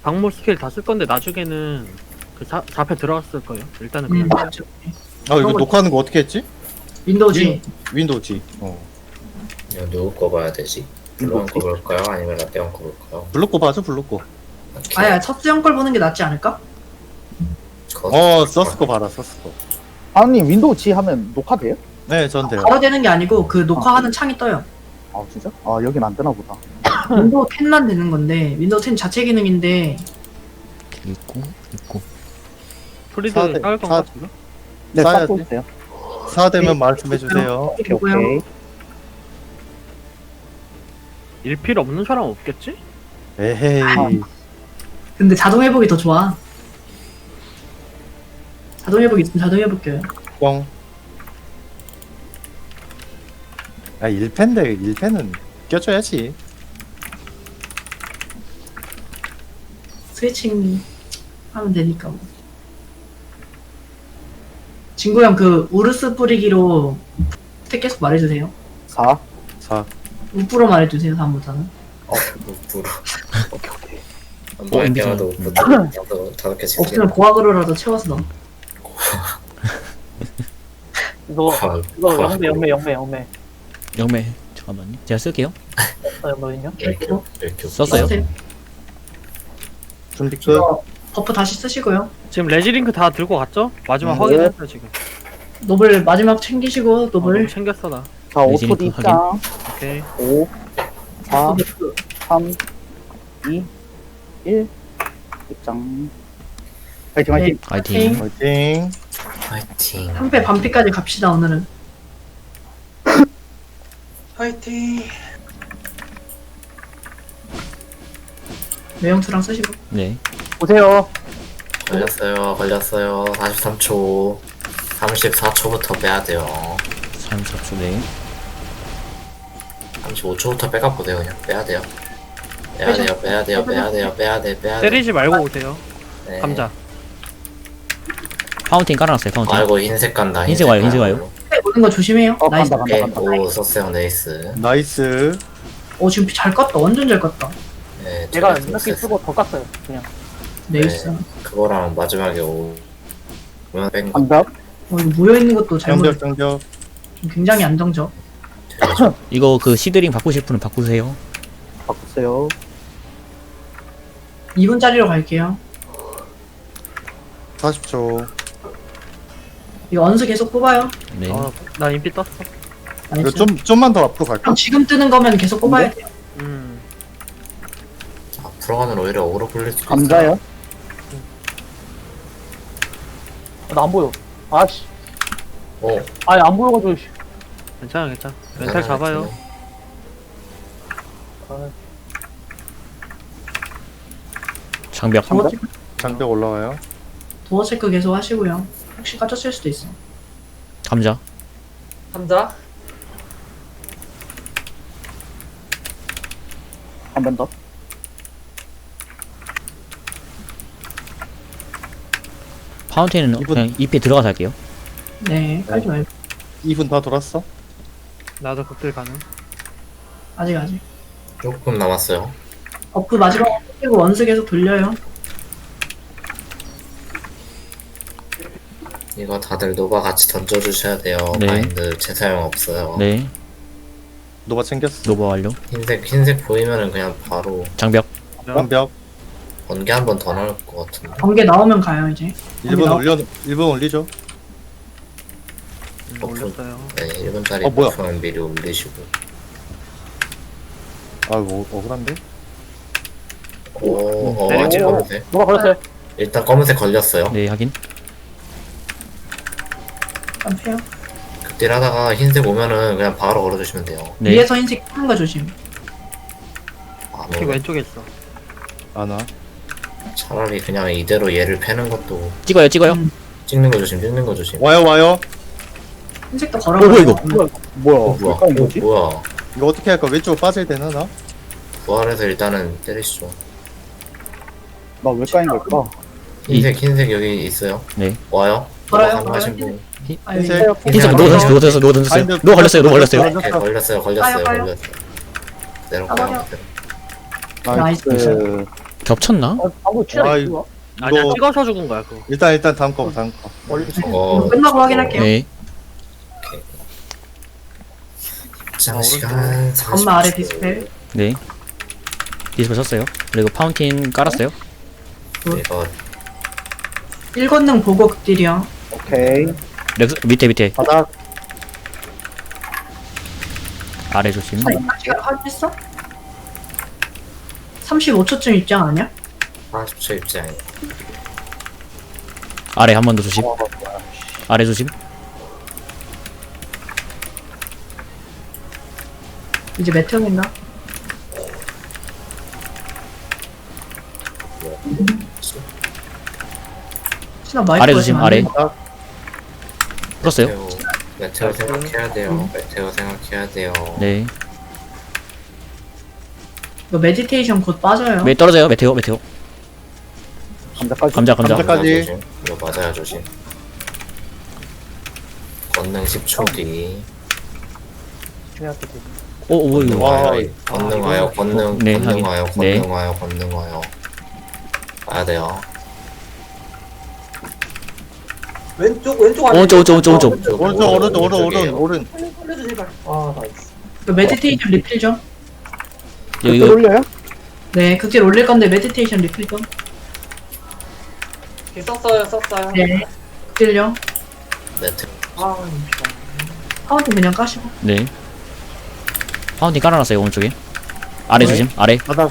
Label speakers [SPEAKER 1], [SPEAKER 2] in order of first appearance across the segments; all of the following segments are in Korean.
[SPEAKER 1] 광물 스킬 다 쓸 건데 나중에는 그 4패 들어갔을 거예요. 일단은 그냥
[SPEAKER 2] 맞죠.
[SPEAKER 3] 아 이거 녹화하는 거 어떻게 했지?
[SPEAKER 2] 윈도우 G.
[SPEAKER 3] 윈도우 G.
[SPEAKER 4] 이거 누구 거 봐야 되지? 블루원 거 볼까요? 아니면 라떼원 거 볼까요?
[SPEAKER 3] 블록 거 봐줘 블록 거.
[SPEAKER 2] 아야 첫수형 걸 보는 게 낫지 않을까?
[SPEAKER 3] 서스 거 봐라 서스 거.
[SPEAKER 5] 아님 윈도우 G 하면 녹화돼요?
[SPEAKER 3] 네, 전 돼요.
[SPEAKER 2] 바로 되는 게 아니고 그 녹화하는 창이 떠요.
[SPEAKER 5] 아 진짜? 아 여긴 안 되나 보다.
[SPEAKER 2] 윈도우 10만 되는 건데 윈도우 10 자체 기능인데
[SPEAKER 6] 있고.
[SPEAKER 1] 프리드
[SPEAKER 3] 사대-
[SPEAKER 1] 쌓을 건가?
[SPEAKER 3] 사-
[SPEAKER 1] 지금?
[SPEAKER 5] 네
[SPEAKER 3] 쌓아야지.
[SPEAKER 5] 쌓고 있어요.
[SPEAKER 3] 사되면 말씀해 주세요.
[SPEAKER 5] 오케이
[SPEAKER 2] 있고요.
[SPEAKER 5] 오케이.
[SPEAKER 1] 일필 없는 사람 없겠지?
[SPEAKER 3] 에헤이.
[SPEAKER 2] 근데 자동 회복이 더 좋아. 자동 회복 있으면 자동 회복해요.
[SPEAKER 3] 뻥. 아 1패인데 1패는 껴줘야지.
[SPEAKER 2] 스위칭 하면 되니까 뭐. 친구 형 그 우르스 뿌리기로 스택 계속 말해주세요.
[SPEAKER 5] 4.
[SPEAKER 3] 4.
[SPEAKER 2] 우프로 말해주세요 다음부터는.
[SPEAKER 4] 무부러.
[SPEAKER 5] 오케이 오케이.
[SPEAKER 4] 한번 할
[SPEAKER 6] MBT.
[SPEAKER 4] 때마다 나도 5개 지금.
[SPEAKER 2] 없으면 고학으로라도 채워서 넣어.
[SPEAKER 7] 이거 영매
[SPEAKER 6] 영매 잠깐만요. 제가 쓸게요.
[SPEAKER 7] 영매는요?
[SPEAKER 4] 이렇게
[SPEAKER 6] 썼어요?
[SPEAKER 2] 써주세요.
[SPEAKER 3] 준비 끝.
[SPEAKER 2] 이거 버프 다시 쓰시고요.
[SPEAKER 1] 지금 레지링크 다 들고 갔죠? 마지막
[SPEAKER 3] 네.
[SPEAKER 1] 확인했어 지금.
[SPEAKER 2] 노블 마지막 챙기시고 노블.
[SPEAKER 1] 너무 챙겼어 나.
[SPEAKER 5] 자
[SPEAKER 6] 레지링크
[SPEAKER 5] 5초 뒤 입장.
[SPEAKER 1] 오케이.
[SPEAKER 5] 5 4 3 2 1 입장. 화이팅 화이팅.
[SPEAKER 6] 화이팅.
[SPEAKER 3] 화이팅.
[SPEAKER 4] 파이팅.
[SPEAKER 2] 한패 반피까지 갑시다 오늘은.
[SPEAKER 7] 화이팅.
[SPEAKER 2] 매형투랑 쓰시고.
[SPEAKER 6] 네.
[SPEAKER 5] 보세요.
[SPEAKER 4] 걸렸어요. 43초. 34초부터 빼야 돼요.
[SPEAKER 6] 34초 네.
[SPEAKER 4] 35초부터 백업 보세요. 그냥 빼야 돼요. 빼야 돼요.
[SPEAKER 1] 때리지 말고 오세요.
[SPEAKER 4] 네.
[SPEAKER 1] 감자.
[SPEAKER 6] 파운틴 깔아놨어요. 파운틴.
[SPEAKER 4] 아이고 흰색 간다.
[SPEAKER 6] 흰색 와요, 흰색 와요.
[SPEAKER 2] 한패 오는 거 조심해요. 나이스.
[SPEAKER 5] 간다 간다 간다.
[SPEAKER 4] 오 썼어요. 네이스.
[SPEAKER 3] 나이스.
[SPEAKER 2] 오 지금 잘 깠다. 완전 잘 깠다.
[SPEAKER 4] 네,
[SPEAKER 7] 내가
[SPEAKER 4] 제가
[SPEAKER 7] 이렇게 쓰고 더 깠어요. 그냥.
[SPEAKER 2] 네이스.
[SPEAKER 4] 그거랑 마지막에 오면 뺀 거.
[SPEAKER 5] 반갑.
[SPEAKER 2] 이거 모여 있는 것도 잘못.
[SPEAKER 3] 정벽 정벽.
[SPEAKER 2] 굉장히 안정적.
[SPEAKER 6] 이거 그 시드링 바꾸실 분은 바꾸세요.
[SPEAKER 5] 바꾸세요.
[SPEAKER 2] 2분짜리로 갈게요.
[SPEAKER 3] 40초.
[SPEAKER 2] 이거 언수 계속 뽑아요.
[SPEAKER 6] 네.
[SPEAKER 1] 나 인피 떴어.
[SPEAKER 3] 이거
[SPEAKER 2] 나이스.
[SPEAKER 3] 좀만 더 앞으로 갈까?
[SPEAKER 2] 그럼 지금 뜨는 거면 계속 뽑아야 돼요.
[SPEAKER 4] 앞으로 가면 오히려 오로 굴릴 수 있어요.
[SPEAKER 5] 감자요.
[SPEAKER 7] 나 안 보여. 아씨.
[SPEAKER 4] 오.
[SPEAKER 7] 아니 안 보여가지고. 씨.
[SPEAKER 1] 괜찮아. 멘탈 잡아요.
[SPEAKER 7] 아,
[SPEAKER 6] 장벽.
[SPEAKER 2] 도어,
[SPEAKER 3] 장벽 올라와요.
[SPEAKER 2] 도어 체크 계속 하시고요. 혹시 까졌을 수도 있어.
[SPEAKER 6] 감자.
[SPEAKER 7] 감자.
[SPEAKER 5] 한 번 더.
[SPEAKER 6] 파운틴은
[SPEAKER 3] 이분-
[SPEAKER 6] 그냥 잎에 들어가서 할게요.
[SPEAKER 2] 네, 깔지 말고.
[SPEAKER 3] 2분 다 돌았어?
[SPEAKER 1] 나도 극딜 가능.
[SPEAKER 2] 아직.
[SPEAKER 4] 조금 남았어요.
[SPEAKER 2] 버프 마지막에 쓰고 원수 계속 돌려요.
[SPEAKER 4] 이거 다들 노바 같이 던져주셔야 돼요.
[SPEAKER 6] 네.
[SPEAKER 4] 마인드 제 사용 없어요.
[SPEAKER 6] 네.
[SPEAKER 3] 노바 챙겼어.
[SPEAKER 6] 노버 완료.
[SPEAKER 4] 흰색 보이면은 그냥 바로
[SPEAKER 6] 장벽.
[SPEAKER 3] 장벽.
[SPEAKER 4] 번개 한 번 더 넣을 것 같은데.
[SPEAKER 2] 번개 나오면 가요 이제.
[SPEAKER 3] 1분 올리죠.
[SPEAKER 1] 올렸어요.
[SPEAKER 4] 네, 1분짜리
[SPEAKER 3] 뭐야?
[SPEAKER 4] 버프는 미리 올리시고.
[SPEAKER 3] 아이고 억울한데?
[SPEAKER 4] 아직
[SPEAKER 1] 내리고.
[SPEAKER 4] 검은색.
[SPEAKER 7] 누가 걸렸어요?
[SPEAKER 4] 일단 검은색 걸렸어요.
[SPEAKER 6] 네 확인.
[SPEAKER 2] 안 패요.
[SPEAKER 4] 극딜 하다가 흰색 오면은 그냥 바로 걸어주시면 돼요.
[SPEAKER 6] 네.
[SPEAKER 2] 위에서 흰색 하는 거 조심.
[SPEAKER 4] 아,
[SPEAKER 1] 특히
[SPEAKER 4] 뭐,
[SPEAKER 1] 왼쪽에 있어.
[SPEAKER 3] 아나.
[SPEAKER 4] 차라리 그냥 이대로 얘를 패는 것도
[SPEAKER 6] 찍어요.
[SPEAKER 4] 찍는 거 조심.
[SPEAKER 3] 와요.
[SPEAKER 2] 흰색도 걸어.
[SPEAKER 6] 뭐야, 이거?
[SPEAKER 5] 뭐야?
[SPEAKER 4] 뭐야?
[SPEAKER 5] 색깔이 뭐지?
[SPEAKER 4] 뭐야?
[SPEAKER 3] 이거 어떻게 할까? 왼쪽으로 빠져야 되나 나?
[SPEAKER 4] 부활해서 일단은 때리시죠.
[SPEAKER 5] 나 왜 까인 걸까?
[SPEAKER 4] 흰색 여기 있어요.
[SPEAKER 6] 네.
[SPEAKER 4] 와요?
[SPEAKER 2] 걸어요,
[SPEAKER 4] 가능하신
[SPEAKER 2] 걸어요.
[SPEAKER 4] 분.
[SPEAKER 2] 아니,
[SPEAKER 3] 흰색.
[SPEAKER 6] 흰색 노 던졌어요. 노 던졌어요. 노 걸렸어요.
[SPEAKER 4] 네, 걸렸어요.
[SPEAKER 2] 가요.
[SPEAKER 4] 내려가요.
[SPEAKER 2] 나이스.
[SPEAKER 6] 겹쳤나?
[SPEAKER 7] 방금
[SPEAKER 3] 와,
[SPEAKER 7] 취향이
[SPEAKER 3] 이거-
[SPEAKER 7] 뭐야?
[SPEAKER 1] 아니야
[SPEAKER 3] 이거-
[SPEAKER 1] 찍어서 죽은 거야 그거.
[SPEAKER 3] 일단 다음 거.
[SPEAKER 7] 멀리
[SPEAKER 4] 저거
[SPEAKER 2] 끝나고 확인할게요.
[SPEAKER 6] 네.
[SPEAKER 4] 입장 시간
[SPEAKER 2] 엄마 아래
[SPEAKER 4] 40초.
[SPEAKER 2] 디스펠.
[SPEAKER 6] 네. 디스플레이 썼어요. 그리고 파운틴 깔았어요.
[SPEAKER 4] 이거
[SPEAKER 2] 1권능 보고 극딜이요.
[SPEAKER 5] 오케이.
[SPEAKER 6] 렉스 밑에
[SPEAKER 3] 바닥.
[SPEAKER 6] 아래 조심.
[SPEAKER 2] 시간 확인했어? 35초쯤 입장 아니야?
[SPEAKER 4] 40초 입장.
[SPEAKER 6] 아래 한 번 더 조심. 아래 조심.
[SPEAKER 2] 이제 메테오 있나? 신나 마이크
[SPEAKER 6] 아래 조심. 아래. 풀었어요.
[SPEAKER 4] 메테오 생각해야 돼요. 메테오 생각해야 돼요.
[SPEAKER 6] 네.
[SPEAKER 2] 이거 메디테이션 곧 빠져요.
[SPEAKER 6] 왜 떨어져요? 메테오.
[SPEAKER 5] 감자까지.
[SPEAKER 6] 감자.
[SPEAKER 3] 감자까지.
[SPEAKER 4] 조심. 이거 맞아야 조심. 권능 10초 뒤.
[SPEAKER 7] 중요할 때
[SPEAKER 6] 오,
[SPEAKER 4] 권능
[SPEAKER 6] 이거.
[SPEAKER 4] 와요. 권능 와요. 권능
[SPEAKER 6] 네,
[SPEAKER 4] 권능
[SPEAKER 6] 확인.
[SPEAKER 4] 와요.
[SPEAKER 6] 네.
[SPEAKER 4] 권능 와요. 권능 와요. 와야 돼요.
[SPEAKER 7] 왼쪽
[SPEAKER 6] 오른쪽.
[SPEAKER 3] 오른.
[SPEAKER 7] 살려줘 제발. 아 나이스.
[SPEAKER 2] 이거 메디테이션 리필 좀.
[SPEAKER 6] 이거
[SPEAKER 5] 올려요?
[SPEAKER 2] 네, 극딜 올릴 건데 메디테이션 리필 좀.
[SPEAKER 7] 썼어요.
[SPEAKER 2] 네, 극딜요.
[SPEAKER 4] 메테오.
[SPEAKER 7] 아
[SPEAKER 2] 카운트 그냥 까시고.
[SPEAKER 6] 네. 파운틴 깔아놨어요. 오른쪽에. 아래
[SPEAKER 3] 네.
[SPEAKER 6] 조심. 아래.
[SPEAKER 3] 바닥.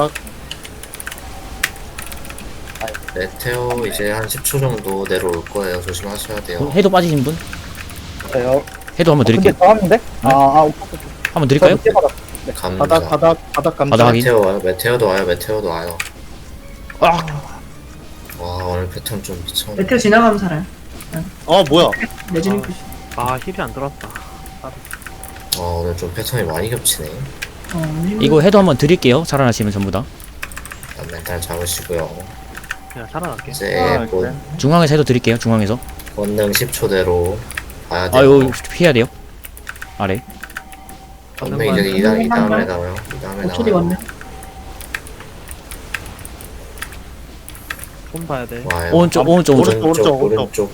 [SPEAKER 4] 메테오 이제 한 10초 정도 내려올 거예요. 조심하셔야 돼요.
[SPEAKER 6] 해도 빠지신 분?
[SPEAKER 5] 돼요.
[SPEAKER 6] 해도 한번
[SPEAKER 5] 근데
[SPEAKER 6] 드릴게요.
[SPEAKER 5] 더 하는데? 오케이.
[SPEAKER 6] 한번 드릴까요?
[SPEAKER 5] 밑에 바닥.
[SPEAKER 4] 감자.
[SPEAKER 3] 바닥 감자.
[SPEAKER 6] 바닥 확인.
[SPEAKER 4] 메테오 와요. 메테오도 와요.
[SPEAKER 6] 아,
[SPEAKER 4] 와 오늘 패턴 좀 미쳤네.
[SPEAKER 2] 메테오 지나가면 살아요.
[SPEAKER 3] 뭐야?
[SPEAKER 2] 내지는 푸시.
[SPEAKER 1] 아 힐이 안 들어왔다.
[SPEAKER 4] 와 오늘 좀 패턴이 많이 겹치네.
[SPEAKER 6] 이거 해도 한번 드릴게요. 살아나시면 전부 다.
[SPEAKER 4] 일단 멘탈 잡으시고요.
[SPEAKER 1] 그냥 살아날게.
[SPEAKER 4] 이제 곧
[SPEAKER 3] 그래.
[SPEAKER 6] 중앙에서 해도 드릴게요. 중앙에서.
[SPEAKER 4] 권능 10초대로 봐야 돼요.
[SPEAKER 6] 아유, 피해야 돼요. 아래.
[SPEAKER 4] 권능 이제 이 다음에 나와요. 이 다음에
[SPEAKER 2] 5초 뒤 왔네.
[SPEAKER 4] 나와요.
[SPEAKER 1] 손 봐야 돼.
[SPEAKER 4] 와요.
[SPEAKER 6] 오른쪽.
[SPEAKER 4] 오른쪽.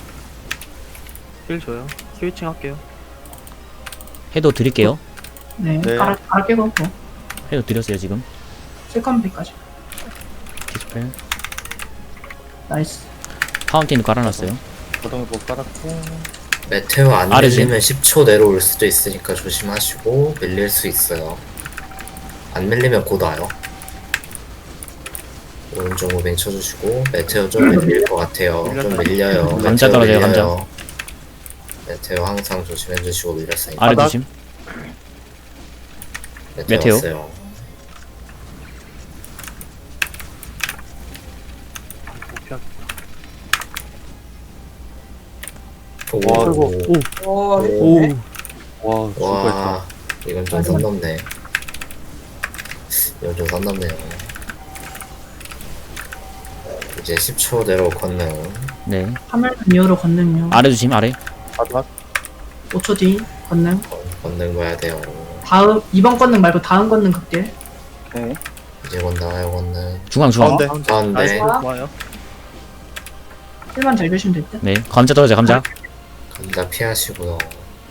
[SPEAKER 1] 힐 줘요. 스위칭 할게요.
[SPEAKER 6] 해도 드릴게요.
[SPEAKER 2] 네,
[SPEAKER 3] 네.
[SPEAKER 2] 갈게고 뭐.
[SPEAKER 6] 해도 드렸어요, 지금.
[SPEAKER 2] 세컨비까지.
[SPEAKER 6] 디스플레이.
[SPEAKER 2] 나이스.
[SPEAKER 6] 파운틴 깔아놨어요.
[SPEAKER 3] 바닥을 못 깔았고.
[SPEAKER 4] 메테오 안
[SPEAKER 6] 아래지.
[SPEAKER 4] 밀리면 10초 내려올 수도 있으니까 조심하시고 밀릴 수 있어요. 안 밀리면 곧 와요. 오른쪽 무빙 쳐주시고 메테오 좀 밀릴 것 같아요. 좀 밀려요.
[SPEAKER 6] 감자
[SPEAKER 4] 메테오
[SPEAKER 6] 떨어져요, 감자.
[SPEAKER 4] 밀려요. 메테오 항상 조심해주시고 밀렸으니까.
[SPEAKER 6] 아래
[SPEAKER 3] 바닥.
[SPEAKER 6] 조심.
[SPEAKER 4] 메테오
[SPEAKER 6] 메테오.
[SPEAKER 4] 왔어요.
[SPEAKER 1] 못 피하겠다.
[SPEAKER 4] 오.
[SPEAKER 6] 오.
[SPEAKER 3] 와, 죽을
[SPEAKER 4] 와 이건 좀 선 넘네. 이건 좀 선 넘네요. 이제 10초대로 권능.
[SPEAKER 6] 네.
[SPEAKER 2] 화면 이후로 건능요.
[SPEAKER 6] 아래 조심, 아래.
[SPEAKER 3] 바닥.
[SPEAKER 2] 5초 뒤 건능.
[SPEAKER 4] 권능 봐야 돼요.
[SPEAKER 2] 다음 이번 건능 말고 다음 건능 극딜.
[SPEAKER 5] 오케이.
[SPEAKER 4] 이제 곧 나와요 권능.
[SPEAKER 6] 중앙.
[SPEAKER 3] 가운데.
[SPEAKER 4] 가운데
[SPEAKER 1] 좋아요.
[SPEAKER 2] 1만 잘 주시면 될 듯.
[SPEAKER 6] 네. 감자 떨어져요, 감자.
[SPEAKER 4] 감자 피하시고요.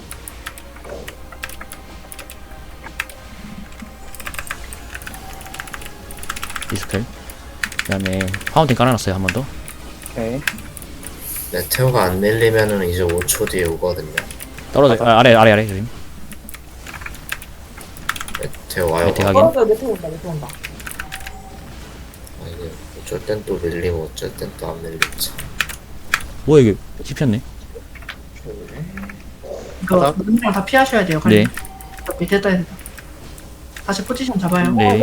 [SPEAKER 6] 디스플레이. 그 다음에 파운틴 깔아놨어요, 한 번 더.
[SPEAKER 5] 오케이.
[SPEAKER 4] 메테오가 안 밀리면은 이제 5초 뒤에 오거든요.
[SPEAKER 6] 떨어져. 아래 조심.
[SPEAKER 4] 메테오 와요.
[SPEAKER 6] 메테오 확인.
[SPEAKER 7] 메테오 온다.
[SPEAKER 4] 아, 이게 어쩔 땐 또 밀리고 어쩔 땐 또 안 밀리지.
[SPEAKER 6] 뭐야, 이게. 씹혔네.
[SPEAKER 2] 이거
[SPEAKER 3] 바닥.
[SPEAKER 2] 건능이랑 다 피하셔야 돼요.
[SPEAKER 6] 네.
[SPEAKER 2] 됐다. 다시 포지션 잡아요.
[SPEAKER 6] 네.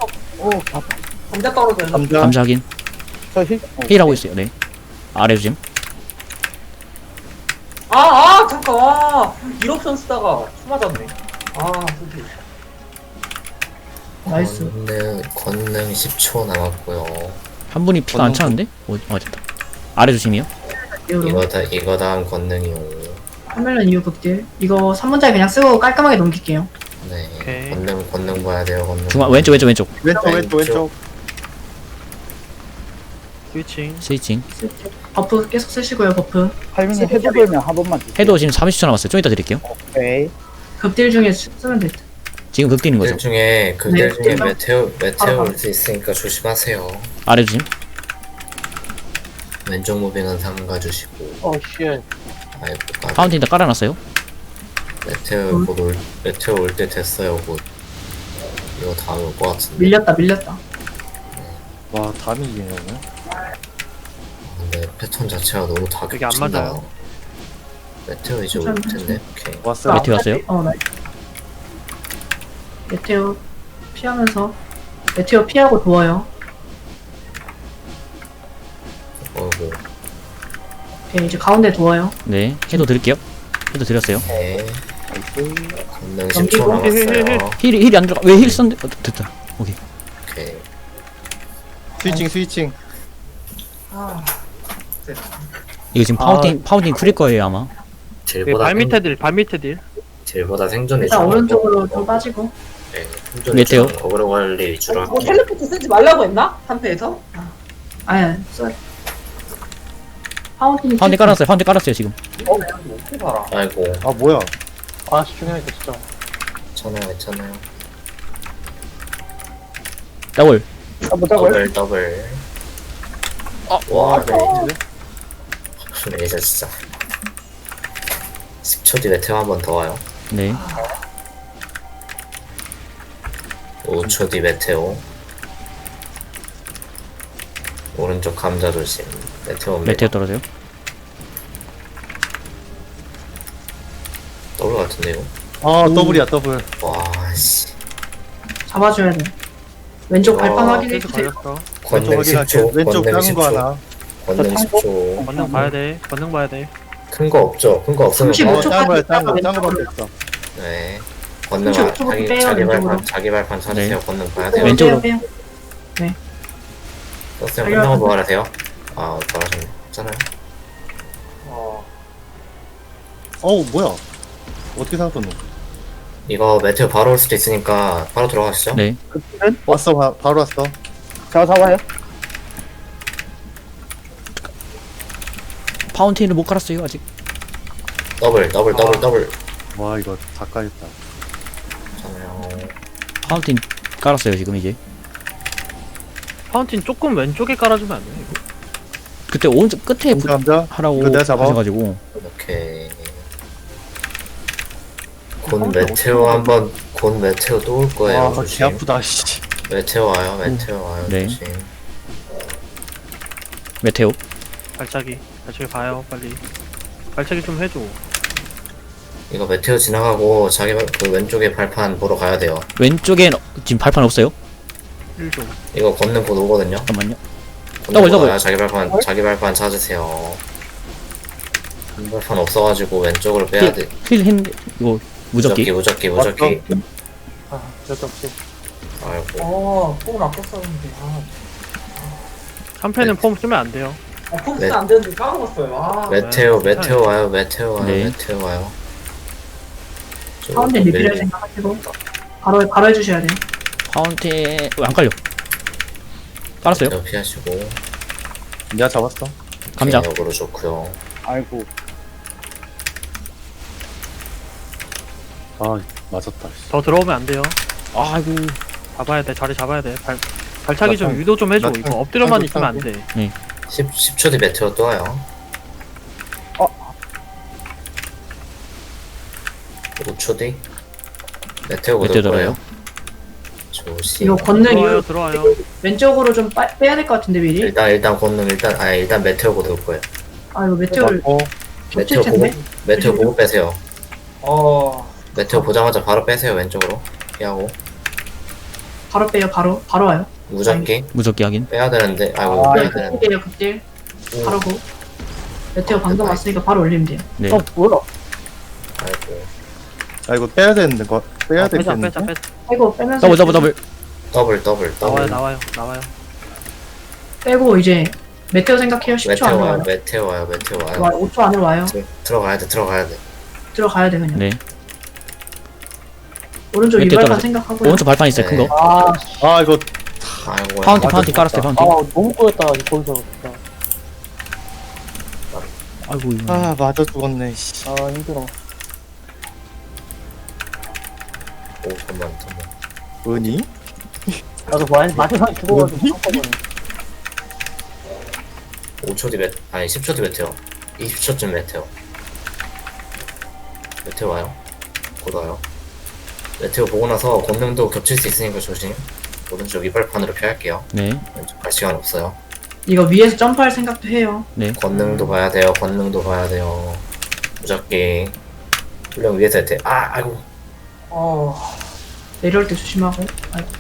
[SPEAKER 7] 감자 떨어져요.
[SPEAKER 3] 감자.
[SPEAKER 6] 감자 확인.
[SPEAKER 5] 저 힐.
[SPEAKER 6] 힐하고 있어요, 네. 아래 조심.
[SPEAKER 7] 잠깐. 1옵션 쓰다가 수 맞았네. 솔직히.
[SPEAKER 2] 나이스.
[SPEAKER 4] 권능 10초 남았고요.
[SPEAKER 6] 한 분이 피가 안 차는데? 됐다. 아래 조심이요.
[SPEAKER 2] 이후로.
[SPEAKER 4] 이거 다음 권능이요.
[SPEAKER 2] 화면은 이후 극딜. 이거 3문짜리 그냥 쓰고 깔끔하게 넘길게요.
[SPEAKER 4] 네.
[SPEAKER 1] 오케이.
[SPEAKER 4] 권능 봐야 돼요. 권능.
[SPEAKER 6] 중앙, 왼쪽.
[SPEAKER 3] 왼쪽.
[SPEAKER 1] 스위칭.
[SPEAKER 6] 스위칭.
[SPEAKER 2] 버프 계속 쓰시고요, 버프.
[SPEAKER 5] 할머니 해도 되면 한 번만 주세요.
[SPEAKER 6] 해도 지금 30초 남았어요. 좀 이따 드릴게요.
[SPEAKER 5] 오케이.
[SPEAKER 2] 급딜 중에 쓰면 될 듯.
[SPEAKER 6] 지금 극딜인
[SPEAKER 4] 들
[SPEAKER 6] 거죠.
[SPEAKER 4] 중에 그들
[SPEAKER 2] 네,
[SPEAKER 4] 중에
[SPEAKER 2] 좀-
[SPEAKER 4] 메테오 올 수 있으니까 조심하세요.
[SPEAKER 6] 아래 조심.
[SPEAKER 4] 왼쪽 무빙은 삼가주시고.
[SPEAKER 5] 어, 쉣.
[SPEAKER 4] 아이고 까비.
[SPEAKER 6] 파운틴 다 깔아놨어요.
[SPEAKER 4] 메테오 올 때 됐어요. 곧 이거 다음에 올 것 같은데.
[SPEAKER 2] 밀렸다.
[SPEAKER 3] 와 담이 이기네.
[SPEAKER 4] 근데 패턴 자체가 너무
[SPEAKER 1] 그게 안
[SPEAKER 4] 다급진다.
[SPEAKER 1] 맞아요.
[SPEAKER 4] 메테오 이제 올 텐데. 오케이.
[SPEAKER 3] 왔어요.
[SPEAKER 6] 메테오 왔어요?
[SPEAKER 2] 나. 메테오 피하면서 메테오 피하고 도와요.
[SPEAKER 4] 어이구.
[SPEAKER 2] 오케이, 이제 가운데 도와요.
[SPEAKER 6] 네. 해도 드릴게요. 해도 드렸어요.
[SPEAKER 4] 네. 건능
[SPEAKER 2] 넘기고.
[SPEAKER 4] 10초 남았어요.
[SPEAKER 6] 힐이 안 들어가. 왜 힐 썼는데? 됐다. 오케이.
[SPEAKER 4] 오케이.
[SPEAKER 3] 스위칭.
[SPEAKER 7] 아,
[SPEAKER 6] 이거 지금 파운틴 쿨일 거예요 아마.
[SPEAKER 4] 딜보다
[SPEAKER 1] 발 밑에 딜, 발 밑에 딜.
[SPEAKER 4] 딜보다 생존이
[SPEAKER 2] 일단
[SPEAKER 4] 중요하고.
[SPEAKER 2] 오른쪽으로 좀 빠지고.
[SPEAKER 4] 네, 생존이
[SPEAKER 6] 메테오.
[SPEAKER 4] 중요한 어그로 관리 위주로
[SPEAKER 7] 뭐
[SPEAKER 4] 할게요.
[SPEAKER 7] 텔레포트 쓰지 말라고 했나? 3패에서?
[SPEAKER 2] 아예 써. 파운틴이
[SPEAKER 6] 파운틴 깔았어요 지금.
[SPEAKER 7] 어떻게 살아?
[SPEAKER 4] 아이고,
[SPEAKER 3] 아 뭐야?
[SPEAKER 5] 아, 집중해야겠다, 진짜.
[SPEAKER 4] 괜찮아요.
[SPEAKER 6] 더블.
[SPEAKER 4] 더블. 와, 레이저 진짜. 10초 뒤 메테오 한 번 더 와요.
[SPEAKER 6] 네.
[SPEAKER 4] 5초 뒤 메테오. 오른쪽 감자 조심. 메테오 옵니다.
[SPEAKER 6] 메테오 떨어져요.
[SPEAKER 4] 더블 같은데요?
[SPEAKER 3] 아 더블이야 더블.
[SPEAKER 4] 와, 씨.
[SPEAKER 2] 잡아줘야 돼. 왼쪽 발판
[SPEAKER 4] 와,
[SPEAKER 2] 확인해
[SPEAKER 1] 계속
[SPEAKER 2] 주세요.
[SPEAKER 1] 걸렸어.
[SPEAKER 4] 권능
[SPEAKER 3] 왼쪽 확인할게요.
[SPEAKER 4] 10초.
[SPEAKER 3] 왼쪽
[SPEAKER 4] 권능
[SPEAKER 3] 작은 거
[SPEAKER 4] 10초.
[SPEAKER 3] 하나.
[SPEAKER 4] 권능 10초.
[SPEAKER 1] 건능 봐야 돼. 건능 봐야 돼.
[SPEAKER 4] 큰 거 없죠? 큰 거 없으면
[SPEAKER 2] 35
[SPEAKER 3] 어,
[SPEAKER 2] 초.
[SPEAKER 3] 작은 거야
[SPEAKER 2] 왼쪽으로.
[SPEAKER 3] 작은 거밖에 없어.
[SPEAKER 4] 네. 권능
[SPEAKER 2] 35초 빼요, 왼쪽으로.
[SPEAKER 4] 자기 발판 찾으세요.
[SPEAKER 6] 네.
[SPEAKER 4] 권능 봐야 돼요.
[SPEAKER 6] 왼쪽으로.
[SPEAKER 2] 빼요.
[SPEAKER 4] 떴어요. 끝나고 뭐 하세요? 아, 잘하셨네. 괜찮아요.
[SPEAKER 3] 어우 뭐야? 어떻게 살았노?
[SPEAKER 4] 이거 메테오 바로 올 수도 있으니까 바로 들어가시죠.
[SPEAKER 6] 네.
[SPEAKER 3] 왔어 바로 왔어.
[SPEAKER 5] 자, 잡아요.
[SPEAKER 6] 파운틴을 못 깔았어요 아직.
[SPEAKER 4] 더블.
[SPEAKER 3] 와 이거 다 까였다.
[SPEAKER 4] 괜찮아요.
[SPEAKER 6] 파운틴 깔았어요 지금 이제.
[SPEAKER 1] 파운틴 조금 왼쪽에 깔아주면 안 돼? 이거?
[SPEAKER 6] 그때 오른쪽 끝에
[SPEAKER 3] 감자.
[SPEAKER 6] 하라고
[SPEAKER 3] 이거 내가 잡아.
[SPEAKER 6] 하셔가지고.
[SPEAKER 4] 오케이. 곧 메테오 또 올 거예요.
[SPEAKER 3] 와, 개
[SPEAKER 4] 조심.
[SPEAKER 3] 아프다 씨.
[SPEAKER 4] 메테오 와요.
[SPEAKER 6] 네.
[SPEAKER 4] 조심.
[SPEAKER 6] 메테오.
[SPEAKER 1] 발차기 봐요, 빨리. 발차기 좀 해줘.
[SPEAKER 4] 이거 메테오 지나가고 그 왼쪽에 발판 보러 가야 돼요.
[SPEAKER 6] 왼쪽엔 지금 발판 없어요.
[SPEAKER 1] 1조.
[SPEAKER 4] 이거 걷는 곧 오거든요.
[SPEAKER 6] 잠깐만요.
[SPEAKER 4] 걷는
[SPEAKER 6] 더블.
[SPEAKER 4] 와요. 자기 발판 찾으세요. 발판 없어가지고 왼쪽으로 빼야 돼.
[SPEAKER 6] 힐 했는데 이거 무적기.
[SPEAKER 4] 무적기.
[SPEAKER 5] 아, 쓸데없이.
[SPEAKER 4] 아이고.
[SPEAKER 7] 폼을 아꼈었는데.
[SPEAKER 1] 3패는 폼 쓰면 안 돼요.
[SPEAKER 7] 폼
[SPEAKER 4] 네.
[SPEAKER 7] 쓰면 안 되는데 까먹었어요.
[SPEAKER 4] 메테오
[SPEAKER 1] 괜찮아요.
[SPEAKER 4] 와요. 메테오 와요.
[SPEAKER 2] 가운데 리필할 생각하시고 바로 해주셔야 돼요.
[SPEAKER 6] 파운틴 왜 안 깔려? 깔았어요.
[SPEAKER 4] 메테오 피하시고.
[SPEAKER 3] 내가 잡았어.
[SPEAKER 6] 감자.
[SPEAKER 4] 역으로 좋고요.
[SPEAKER 5] 아이고.
[SPEAKER 3] 아 맞았다. 씨.
[SPEAKER 1] 더 들어오면 안 돼요.
[SPEAKER 6] 아이고.
[SPEAKER 1] 잡아야 돼. 자리 잡아야 돼. 발차기 좀
[SPEAKER 3] 나
[SPEAKER 1] 유도 좀 해줘.
[SPEAKER 3] 나
[SPEAKER 1] 이거 엎드려만
[SPEAKER 3] 나
[SPEAKER 1] 있으면 안 돼.
[SPEAKER 4] 10초 뒤 메테오 또 와요. 5초 뒤 메테오
[SPEAKER 6] 메테오
[SPEAKER 4] 올 거예요.
[SPEAKER 6] 들어요.
[SPEAKER 4] 조심.
[SPEAKER 2] 이거 건능
[SPEAKER 1] 들어와요.
[SPEAKER 2] 왼쪽으로 좀 빼야 될 것 같은데 미리.
[SPEAKER 4] 일단 권능 일단 메테오 곧 올 거예요.
[SPEAKER 2] 아 이거 메테오를
[SPEAKER 3] 어
[SPEAKER 2] 겹칠 텐데.
[SPEAKER 4] 메테오 보고 빼세요.
[SPEAKER 7] 어,
[SPEAKER 4] 메테오 보자마자 바로 빼세요. 왼쪽으로 피하고.
[SPEAKER 2] 바로 빼요. 바로 와요.
[SPEAKER 4] 무적기
[SPEAKER 6] 무적기 하긴.
[SPEAKER 4] 빼야 되는데 아이고
[SPEAKER 5] 아,
[SPEAKER 4] 빼야 되는데.
[SPEAKER 2] 급딜이에요. 급딜. 바로고. 메테오 방금 왔으니까 바로 올리면 돼요.
[SPEAKER 6] 네.
[SPEAKER 5] 뭐야?
[SPEAKER 4] 아이고.
[SPEAKER 3] 아 이거 빼야 되는데 거 빼야
[SPEAKER 1] 빼자.
[SPEAKER 3] 되겠는데.
[SPEAKER 2] 빼고 빼면서
[SPEAKER 6] 더블.
[SPEAKER 4] 더블.
[SPEAKER 1] 나와요.
[SPEAKER 2] 빼고 이제 메테오 생각해요. 10초 안에 와요.
[SPEAKER 4] 메테오 와요.
[SPEAKER 2] 5초 안에 와요.
[SPEAKER 4] 들어가야 돼.
[SPEAKER 2] 들어가야 돼 그냥.
[SPEAKER 6] 네.
[SPEAKER 2] 오른쪽
[SPEAKER 6] 메테오
[SPEAKER 2] 유발판
[SPEAKER 6] 떨어져.
[SPEAKER 2] 생각하고.
[SPEAKER 6] 오른쪽 발판 있어요 큰 거.
[SPEAKER 5] 아,
[SPEAKER 3] 아 이거
[SPEAKER 4] 아이고.
[SPEAKER 6] 파운틴 깔았어요,
[SPEAKER 5] 아,
[SPEAKER 6] 파운틴.
[SPEAKER 5] 너무 꼬였다, 거기서. 진짜.
[SPEAKER 6] 아이고, 이거.
[SPEAKER 3] 아 맞아 죽었네 씨.
[SPEAKER 5] 아, 힘들어.
[SPEAKER 4] 오, 잠깐만.
[SPEAKER 3] 은이?
[SPEAKER 5] 나도 마지막에 죽어가지고 한꺼번에.
[SPEAKER 4] 5초 뒤 아니 10초 뒤 메테오. 20초쯤 메테오. 메테오 와요. 곧 와요. 메테오 보고 나서 권능도 겹칠 수 있으니까 조심. 오른쪽 이발판으로 피할게요.
[SPEAKER 6] 네,
[SPEAKER 4] 왼쪽 갈 시간 없어요.
[SPEAKER 2] 이거 위에서 점프할 생각도 해요.
[SPEAKER 6] 네.
[SPEAKER 4] 권능도 봐야 돼요. 권능도 봐야 돼요. 무작기. 훈련 위에서 해야 돼. 아이고.
[SPEAKER 2] 내려올 때 조심하고. 아이고.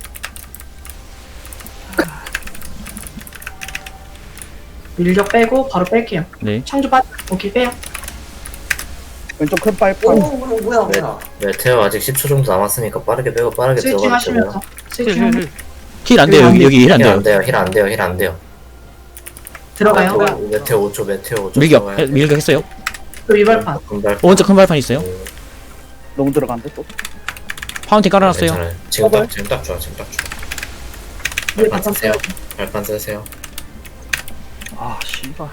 [SPEAKER 2] 밀격 빼고 바로 뺄게요.
[SPEAKER 6] 네.
[SPEAKER 2] 창조 빠. 오케이 빼요.
[SPEAKER 5] 왼쪽 큰 빨판.
[SPEAKER 7] 뭐야.
[SPEAKER 4] 메테오 아직 10초 정도 남았으니까 빠르게 빼고 빠르게
[SPEAKER 2] 스위칭
[SPEAKER 4] 들어가야 되고요.
[SPEAKER 2] 하시면서. 스위칭 하면
[SPEAKER 6] 힐 안 돼요, 여기 힐 안
[SPEAKER 4] 힐
[SPEAKER 6] 돼요.
[SPEAKER 4] 안 돼요. 힐 안 돼요. 힐 안 돼요.
[SPEAKER 2] 들어가요.
[SPEAKER 4] 메테오 5초. 메테오 5초.
[SPEAKER 6] 밀격 했어요.
[SPEAKER 2] 또 위발판.
[SPEAKER 6] 오른쪽 큰 발판 있어요.
[SPEAKER 5] 너무 들어간대, 또.
[SPEAKER 6] 파운틴 깔아놨어요.
[SPEAKER 4] 괜찮아요. 지금 딱 좋아. 지금 딱 좋아.
[SPEAKER 2] 우리
[SPEAKER 4] 발판
[SPEAKER 2] 바탕
[SPEAKER 4] 쓰세요.
[SPEAKER 2] 빼요.
[SPEAKER 4] 발판 쓰세요.
[SPEAKER 1] 아 씨발.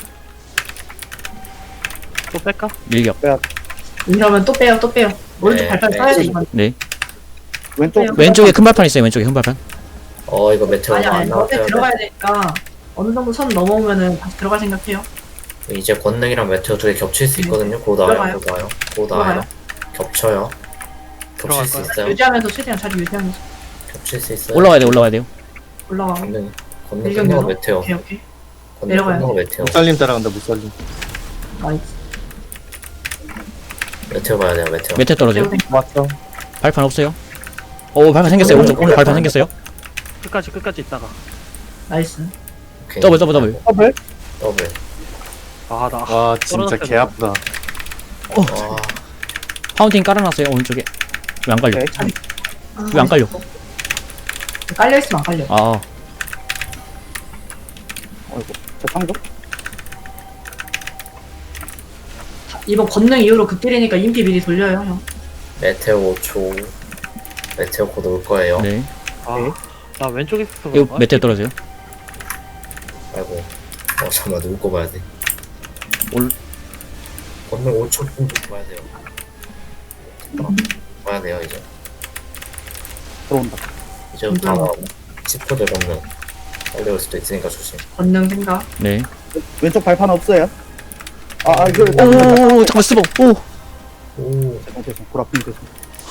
[SPEAKER 1] 또 뺄까?
[SPEAKER 6] 밀격.
[SPEAKER 2] 이러면 또 빼요. 또 빼요. 오른쪽
[SPEAKER 4] 네,
[SPEAKER 2] 발판
[SPEAKER 4] 네.
[SPEAKER 2] 써야 돼 이건.
[SPEAKER 6] 네.
[SPEAKER 5] 왼쪽.
[SPEAKER 2] 빼요.
[SPEAKER 6] 왼쪽에 큰 발판 있어요, 왼쪽에 큰 발판.
[SPEAKER 4] 이거 메테오
[SPEAKER 2] 아니
[SPEAKER 4] 안
[SPEAKER 2] 너네
[SPEAKER 4] 나왔어요.
[SPEAKER 2] 들어가야 되니까 어느 정도 선 넘어오면은 다시 들어갈 생각해요.
[SPEAKER 4] 이제 권능이랑 메테오 두 개 겹칠 수 있거든요. 곧 와요.
[SPEAKER 2] 들어가요.
[SPEAKER 4] 곧 와요. 곧 와요. 겹쳐요. 겹칠 수
[SPEAKER 1] 들어갈까요?
[SPEAKER 4] 있어요.
[SPEAKER 2] 유지하면서 최대한 자리 유지하면서
[SPEAKER 4] 겹칠 수 있어요.
[SPEAKER 6] 올라가야 돼요.
[SPEAKER 2] 올라가고.
[SPEAKER 4] 권능
[SPEAKER 2] 밀격
[SPEAKER 4] 끝나고
[SPEAKER 2] 내려.
[SPEAKER 4] 메테오.
[SPEAKER 2] 오케이.
[SPEAKER 4] 권능
[SPEAKER 2] 내려가요.
[SPEAKER 4] 끝나고 메테오.
[SPEAKER 3] 못살림 따라간다 못살림.
[SPEAKER 2] 나이스.
[SPEAKER 4] 메테오 봐야 돼요. 메테오.
[SPEAKER 6] 메테 떨어져요.
[SPEAKER 5] 맞죠.
[SPEAKER 6] 발판 없어요. 오, 발판 생겼어요. 오른쪽 발판 생겼어요.
[SPEAKER 1] 끝까지 있다가.
[SPEAKER 2] 나이스.
[SPEAKER 4] 오케이.
[SPEAKER 6] 더블.
[SPEAKER 5] 더블?
[SPEAKER 4] 더블.
[SPEAKER 1] 아 나.
[SPEAKER 3] 와 진짜 개 아프다.
[SPEAKER 4] 와.
[SPEAKER 6] 파운틴 깔아놨어요, 오른쪽에. 왜 안 깔려?
[SPEAKER 5] 오케이.
[SPEAKER 6] 왜 안 깔려?
[SPEAKER 2] 깔려 있으면 안 깔려.
[SPEAKER 6] 아,
[SPEAKER 5] 어이구. 저 창조?
[SPEAKER 2] 이번 권능 이후로 극딜이니까 인피 미리 돌려요 형.
[SPEAKER 4] 메테오 5초. 메테오 곧 올 거예요.
[SPEAKER 6] 네.
[SPEAKER 1] 나 왼쪽에 있어서
[SPEAKER 6] 이거
[SPEAKER 1] 그런가?
[SPEAKER 6] 메테 떨어져요.
[SPEAKER 4] 아이고. 잠깐만 누구 거 봐야 돼.
[SPEAKER 6] 올-
[SPEAKER 4] 권능 5초 정도 봐야 돼요. 봐야 돼요 이제.
[SPEAKER 5] 들어온다.
[SPEAKER 4] 이제부터 아마 10초 될 권능. 빨리 올 수도 있으니까 조심.
[SPEAKER 2] 권능 생각.
[SPEAKER 6] 네.
[SPEAKER 5] 왼쪽 발판 없어요. 이거.
[SPEAKER 6] 오, 잠깐 스보. 오.
[SPEAKER 4] 오.
[SPEAKER 5] 죄송. 보라핀 죄송.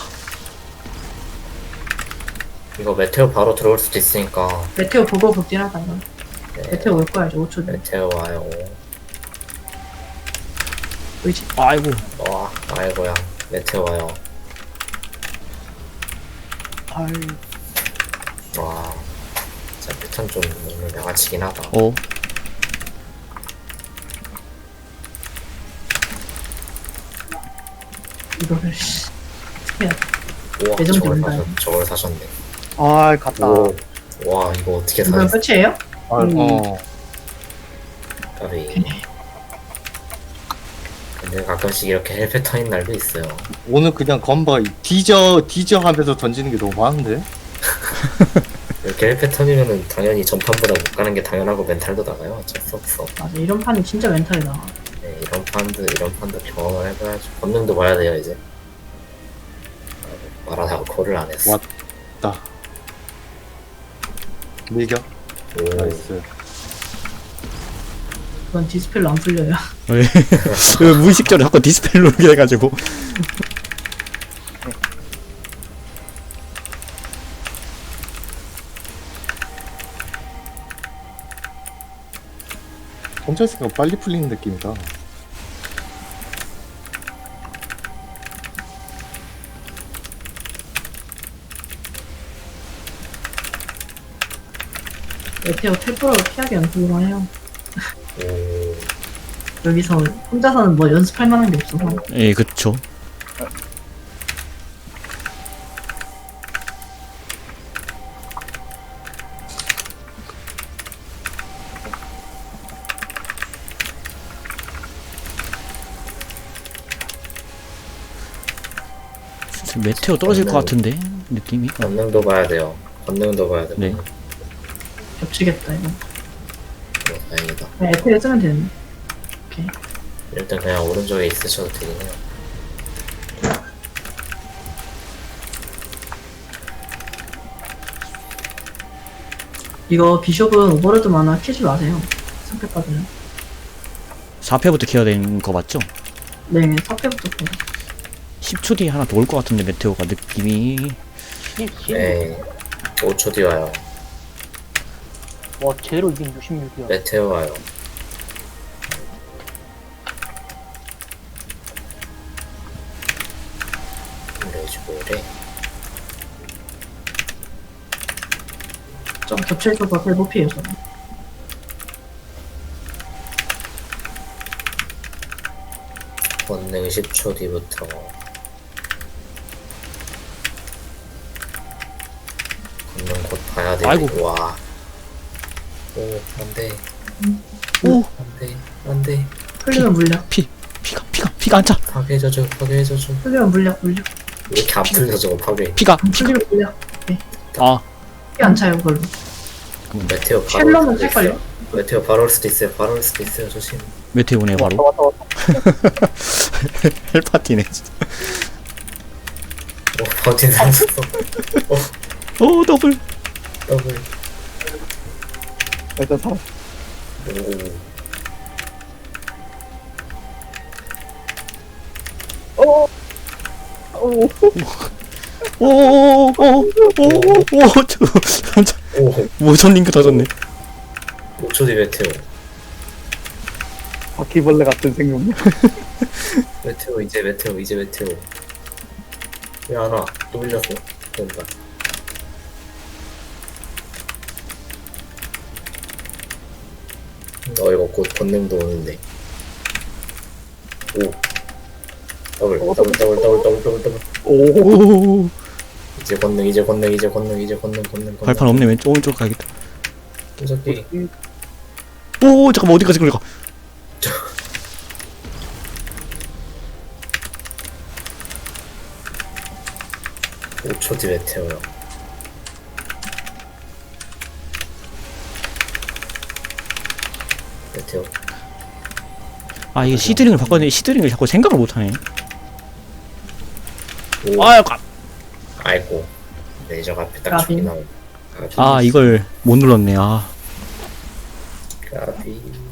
[SPEAKER 4] 이거 메테오 바로 들어올 수도 있으니까.
[SPEAKER 2] 메테오 보고 극딜하다 이건.
[SPEAKER 4] 네.
[SPEAKER 2] 메테오 올 거야 이제 5초 뒤에.
[SPEAKER 4] 메테오 와요.
[SPEAKER 2] 의지.
[SPEAKER 6] 아이고.
[SPEAKER 4] 와, 아이고야. 메테오 와요. 와. 진짜 패턴 좀 너무 양아치긴 하다.
[SPEAKER 6] 오.
[SPEAKER 2] 이거를 씨.
[SPEAKER 4] 우와,
[SPEAKER 2] 예전 된다.
[SPEAKER 4] 저걸 사셨네.
[SPEAKER 5] 갔다.
[SPEAKER 4] 오. 와, 이거 어떻게
[SPEAKER 2] 이건
[SPEAKER 4] 사셨어?
[SPEAKER 2] 끝이에요?
[SPEAKER 4] 까비. 근데 가끔씩 이렇게 헬 패턴인 날도 있어요.
[SPEAKER 3] 오늘 그냥 건바 뒤져 하면서 던지는 게 너무 많은데?
[SPEAKER 4] 이렇게 헬 패턴이면은 당연히 전판보다 못 가는 게 당연하고 멘탈도 나가요. 어쩔 수 없어.
[SPEAKER 2] 맞아 이런 판이 진짜 멘탈이 나가.
[SPEAKER 4] 네, 이런 판도 경험을 해봐야지. 권능도 봐야 돼요, 이제. 말하다가 콜을 안 했어.
[SPEAKER 3] 왔다. 밀격.
[SPEAKER 4] 오.
[SPEAKER 3] 나이스.
[SPEAKER 2] 그건 디스펠로 안 풀려요.
[SPEAKER 6] 그 무의식적으로 자꾸 디스플레이 누르게 돼가지고.
[SPEAKER 3] 혼자 있으니까 빨리 풀리는 느낌이다.
[SPEAKER 2] 메테오 텔프로로 피하기 연습만 해요.
[SPEAKER 4] 오.
[SPEAKER 2] 여기서 혼자서는 뭐 연습할 만한 게 없어서.
[SPEAKER 6] 예, 그쵸. 메테오 떨어질 것 같은데 느낌이.
[SPEAKER 4] 권능도 봐야 돼요. 권능도 봐야 돼요.
[SPEAKER 6] 네.
[SPEAKER 4] 권능.
[SPEAKER 2] 겹치겠다 이거.
[SPEAKER 4] 다행이다.
[SPEAKER 2] 그냥 에테를 쓰면 되는데.
[SPEAKER 4] 일단 그냥 오른쪽에 있으셔도 되긴 해요.
[SPEAKER 2] 이거 비숍은 오버로드 만화 키지 마세요. 상패 받으면.
[SPEAKER 6] 4패부터 키워야 되는 거 맞죠?
[SPEAKER 2] 네, 4패부터 보자.
[SPEAKER 6] 10초 뒤에 하나 더 올 것 같은데 메테오가 느낌이.
[SPEAKER 4] 네. 5초 뒤 와요.
[SPEAKER 1] 와 제로 이긴 66이야.
[SPEAKER 4] 메테오 와요. 레지보래.
[SPEAKER 2] 좀 겹쳐있어서 별 높이에요, 저는.
[SPEAKER 4] 권능 10초 뒤부터. 권능 곧 봐야 돼.
[SPEAKER 6] 아이고.
[SPEAKER 4] 와. 오, 안 돼.
[SPEAKER 6] 오!
[SPEAKER 4] 안 돼. 안 돼.
[SPEAKER 2] 풀리면 물약.
[SPEAKER 6] 피가 안 차!
[SPEAKER 4] 파괴해줘줘. 파괴해줘줘.
[SPEAKER 2] 풀리면 물약.
[SPEAKER 4] 왜 이렇게 안 풀려, 저거 파괴.
[SPEAKER 6] 피가!
[SPEAKER 2] 풀리면 물약.
[SPEAKER 6] 아,
[SPEAKER 2] 피 안 차요, 그걸로.
[SPEAKER 4] 메테오 바로 올
[SPEAKER 2] 쉘러는
[SPEAKER 4] 수도
[SPEAKER 2] 찰걸요?
[SPEAKER 4] 있어요. 메테오 바로 올 수도 있어요. 바로 올 수도 있어요. 조심.
[SPEAKER 6] 메테오네, 바로.
[SPEAKER 5] 왔다, 왔다, 왔다.
[SPEAKER 6] 헬파티네, 진짜.
[SPEAKER 4] 오, 버틴 살았어.
[SPEAKER 6] 오, 더블!
[SPEAKER 4] 더블.
[SPEAKER 5] 일단 살아.
[SPEAKER 4] 오.
[SPEAKER 5] 오,
[SPEAKER 4] 오.
[SPEAKER 6] 모션 링크 터졌네.
[SPEAKER 4] 5초 뒤 메테오.
[SPEAKER 5] 바퀴벌레 같은 생명.
[SPEAKER 4] 메테오 이제 메테오. 왜 안 와? 또 밀렸어. 된다. 이거 곧 권능도 오는데. 오. 더블.
[SPEAKER 5] 오,
[SPEAKER 4] 이제 권능.
[SPEAKER 6] 발판 없네, 왼쪽, 오른쪽 가야겠다.
[SPEAKER 4] 저기.
[SPEAKER 6] 오, 잠깐만, 어디까지 걸려가?
[SPEAKER 4] 오 5초 뒤 메테오요. 메테오.
[SPEAKER 6] 아, 이게 시드링을 바꿨는데, 시드링을 자꾸 생각을 못하네.
[SPEAKER 4] 오.
[SPEAKER 6] 아,
[SPEAKER 4] 아이고. 레이저가 앞에 딱
[SPEAKER 2] 까비.
[SPEAKER 4] 죽이 나오고.
[SPEAKER 6] 이걸 못 눌렀네, 아.
[SPEAKER 4] 까비.